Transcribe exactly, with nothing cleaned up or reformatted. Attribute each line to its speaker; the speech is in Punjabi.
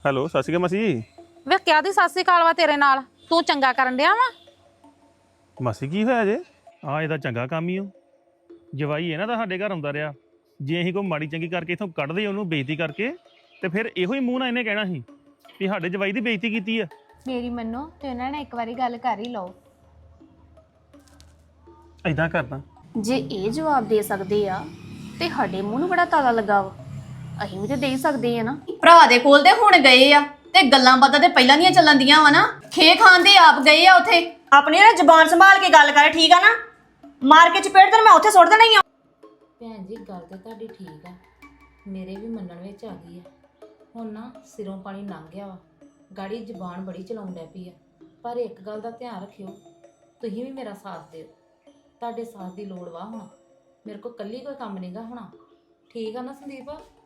Speaker 1: ਹੈਲੋ ਸਤਿ ਸ਼੍ਰੀ ਅਕਾਲ ਮਾਸੀ।
Speaker 2: ਵੇ ਕਿਆ ਦੀ ਸਤਿ ਸ੍ਰੀ ਅਕਾਲ ਵਾ ਤੇਰੇ ਨਾਲ? ਤੂੰ ਚੰਗਾ ਕਰਨ ਡਿਆ ਵਾ?
Speaker 1: ਮਾਸੀ ਕੀ ਹੋਇਆ ਜੇ? ਆ ਇਹਦਾ ਚੰਗਾ ਕੰਮ ਹੀ ਉਹ ਜਵਾਈ ਇਹਨਾਂ ਦਾ ਸਾਡੇ ਘਰ ਆਉਂਦਾ ਰਿਹਾ। ਜੇ ਅਸੀਂ ਕੋਈ ਮਾੜੀ ਚੰਗੀ ਕਰਕੇ ਇਥੋਂ ਕੱਢਦੇ ਉਹਨੂੰ ਬੇਇੱਜ਼ਤੀ ਕਰਕੇ ਤੇ ਫਿਰ ਇਹੋ ਹੀ ਮੂੰਹ ਨਾਲ ਇਹਨੇ ਕਹਿਣਾ ਸੀ ਵੀ ਸਾਡੇ ਜਵਾਈ ਦੀ ਬੇਇੱਜ਼ਤੀ ਕੀਤੀ ਆ।
Speaker 3: ਮੇਰੀ ਮੰਨੋ ਤੇ ਉਹਨਾਂ ਨੇ ਇੱਕ ਵਾਰੀ ਗੱਲ ਕਰ ਹੀ ਲਓ।
Speaker 1: ਏਦਾਂ ਕਰਦਾ
Speaker 3: ਜੇ ਇਹ ਜਵਾਬ ਦੇ ਸਕਦੇ ਆ ਤੇ ਸਾਡੇ ਮੂੰਹ ਨੂੰ ਬੜਾ ਤਾਲਾ ਲੱਗਾ ਵਾ, ਅਸੀਂ ਵੀ ਤੇ ਦੇ ਹੀ ਸਕਦੇ ਆ ਨਾ।
Speaker 4: ਭਰਾ ਦੇ ਕੋਲ ਤੇ ਹੁਣ ਗਏ ਆ ਤੇ ਗੱਲਾਂ ਬਾਤਾਂ ਤੇ ਪਹਿਲਾਂ ਦੀਆਂ ਚੱਲਣ ਦੀਆਂ ਵਾ ਨਾ। ਖੇ ਖਾਨ ਦੇ ਆਪ ਗਏ ਆ ਉਥੇ।
Speaker 5: ਆਪਣੀ ਨਾ ਜ਼ਬਾਨ ਸੰਭਾਲ ਕੇ ਗੱਲ ਕਰ, ਠੀਕ ਆ ਨਾ? ਮਾਰ ਕੇ ਚਪੇੜ ਤੇ ਮੈਂ ਉੱਥੇ ਸੁੱਟ ਦੇਣਾ ਹੀ ਆ।
Speaker 6: ਭੈਣ ਜੀ ਗੱਲ ਤੇ ਤੁਹਾਡੀ ਠੀਕ ਆ, ਮੇਰੇ ਵੀ ਮੰਨਣ ਵਿੱਚ ਆ ਗਈ ਆ। ਹੁਣ ਨਾ ਸਿਰੋਂ ਪਾਣੀ ਲੰਘ ਗਿਆ ਵਾ, ਗਾੜੀ ਜ਼ਬਾਨ ਬੜੀ ਚਲਾਉਣ ਡੈ ਪਈ ਆ। ਪਰ ਇੱਕ ਗੱਲ ਦਾ ਧਿਆਨ ਰੱਖਿਓ, ਤੁਸੀਂ ਵੀ ਮੇਰਾ ਸਾਥ ਦਿਓ। ਤੁਹਾਡੇ ਸਾਥ ਦੀ ਲੋੜ ਵਾ ਹੁਣ, ਮੇਰੇ ਕੋਲ ਇਕੱਲੀ ਕੋਈ ਕੰਮ ਨਹੀਂਗਾ ਹੋਣਾ। ਠੀਕ ਆ ਨਾ ਸੰਦੀਪ?